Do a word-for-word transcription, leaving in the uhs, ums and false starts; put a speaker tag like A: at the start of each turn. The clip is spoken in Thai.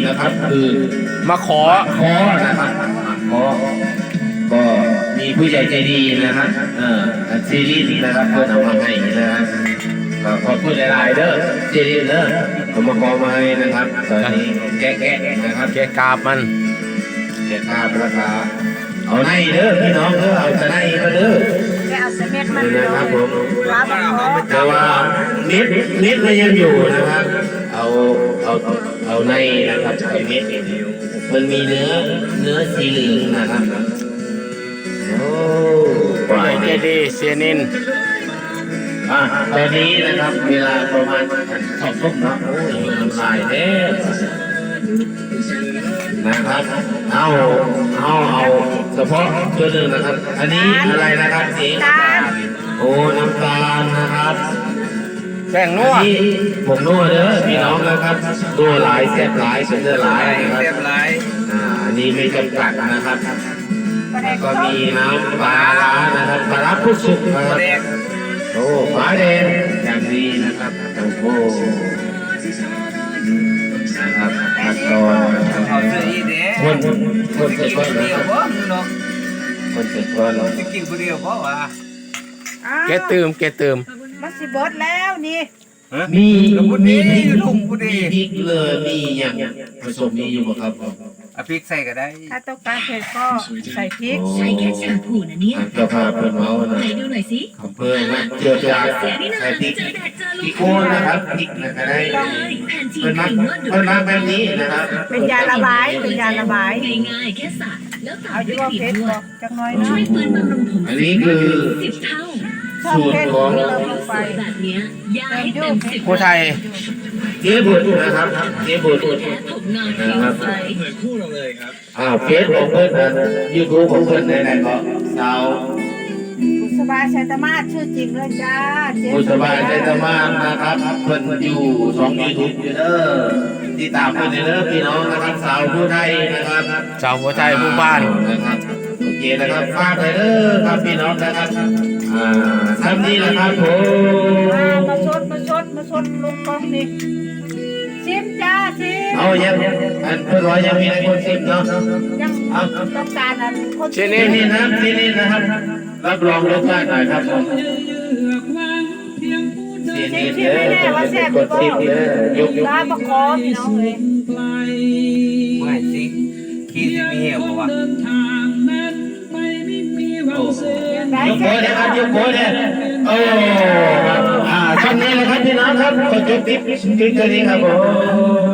A: นะครับคือ
B: มาขอ
A: ขอนะครับขอก็มีผู้ใหญ่ใจดีนะครับเอ่อซีรีส์นะครับเพื่อนเอามาให้นะครับขอบคุณหลายๆเด้อซีรีส์เด้อเอามาขอมาให้นะครับตอนนี้แกะๆนะครับ
B: แกกราบมัน
A: แกะกาบราคาเอาในเด้อพี่น้องเด้อเอาจะในก็เด้อ
C: แกเอาเสม็ดมัน
A: นะครับผม
C: ว่าบังคอ
A: แต่ว่านิดนิดมันยังอยู่นะครับ เอาเอาเอาในนะครับไอ้นิดมันมีเนื้อเนื้อสีเหลืองนะครับโอ้ปล่อย
B: เจดีเซียนิน
A: อ่ะตอนนี้นะครับเวลาประมาณสองทุ่มนะโอ้ยน้ำลายแน่นะครับเอาเอาเอาเฉพาะตัวหนึ่งนะครับ อันนี้อะไรนะครับสีน้ำตาลโอ้น้ำตาลนะครับ
B: แป้งนัว
A: อันนี้ผมนัวเด้อพี่น้องนะครับนัวหลายแซ่บหลายสุดหลายนะครับ
D: เรียบร้อย
A: อ่าอันนี้ไม่จำกัดนะครับก็มีน้ำปลาร้านะครับปลาร้าผู้สุกนะครับ
D: แดก
A: โอ้ฝาแดงอย่างดีนะครับโอ้โหนะครับขั้นตอนนะครับ
D: เอาเสื้ออีเด้
A: คนคน
D: สิ
A: เสร็จ
D: กิน
A: ก่อน
D: คน
A: นะ
D: เดี
A: ค
D: ยว
A: รับ
D: บ่เนาะ
A: คนเสร็จก่อนแล้ว
D: สิกินคนเดียวบ่วะ
B: แกตืมแกตืม
C: มันสิเบิดแล้วนี่
A: มีมี
D: มี
A: พริก
D: ลุงผู้ดี
A: มีพริกเลยมีอย่างผสมมีอยู่บ่ครับ
D: เอาพริกใส่ก็ได้
C: ถ้าต้องการเผ็ดก็ใส่พริก
A: โอ้
E: ใช้แค่แชมพูนะเนี่ย
A: เจ้าภาพเป็นเมาส์นะ
E: ไหนดูหน่อยสิ
A: เพื่อมาเจือจางใส่พริก
E: เจอแดดเจอล
A: พริ
E: ม
A: กโคนนะครับพริกนะครับได้
E: แผ่นที
A: เป็น
E: ค
A: มา
E: รีมนวดดู
A: เป็นมาแบบนี้นะครับ
C: เป็นยาระบายเป็นยาระบาย
E: ง่ายๆแค่สระแล้วตา
C: เอา
E: ม
C: อยู่
E: ด้วย
C: ว่า
E: ครี
C: เผ็
E: ม
C: ด
E: นว
C: บอ
E: ด
C: กจังน้อย
E: ช่
C: เนาะ
E: วยฟื้นบำรุงผม
A: อันนี้คือ
E: สิบเท่า
C: ชอบเผ็ด
A: สูตรของ
C: ที่เราลงไป
E: แบบเนี้ยยาให้เต็มสิบ
B: ผู้ไทย
A: เจ๊บุตรนะครับเจ๊บุตร
E: แค่ผมนอนผิวใส
A: อ่าเฟซของเพื่อนนะยูทูบของเพื่อนไหนๆก็สาว
C: บุษบาชัยตมาศชื่อจริงเลยจ้าเจ๊
A: บุษบาใจตมานนะครับเพื่อนอยู่สองยูทูบอยู่เด้อติดตามเพื่อนเด้อพี่น้องนะครับสาวผู้ไทยนะครับ
B: ชาวผู้ไทยผู้บ้าน
A: นะครับโอเคนะครับฝากเลยเด้อครับพี่น้องนะครับอ่าทำนี้แหละครับผม
C: มามาชดมาชดมาชดลงกองนี่ชิมจ้าชิม
A: เอายังอันเพื่อนร้อยยังมีในคนสิบเนาะ
C: ยังต้องการอันคน
B: เช่น
A: ที่นี่นะครับที่นี่นะครับรับรองรสชาติหน่อยครับผมที่นี่เด้อจะเป็นคนสิบเด้อยกยก
C: ร้านประคอพี่น้องเลย
D: ไม่สิขี้สิมีเหี่ยวบ่วะ
A: โอ้ยกโป้นะครับยกโป้เนี่ยโอ้อ่าช่วงนี้นะครับพี่น้องครับขอจบคลิปคลิปตัวนี้ครับผม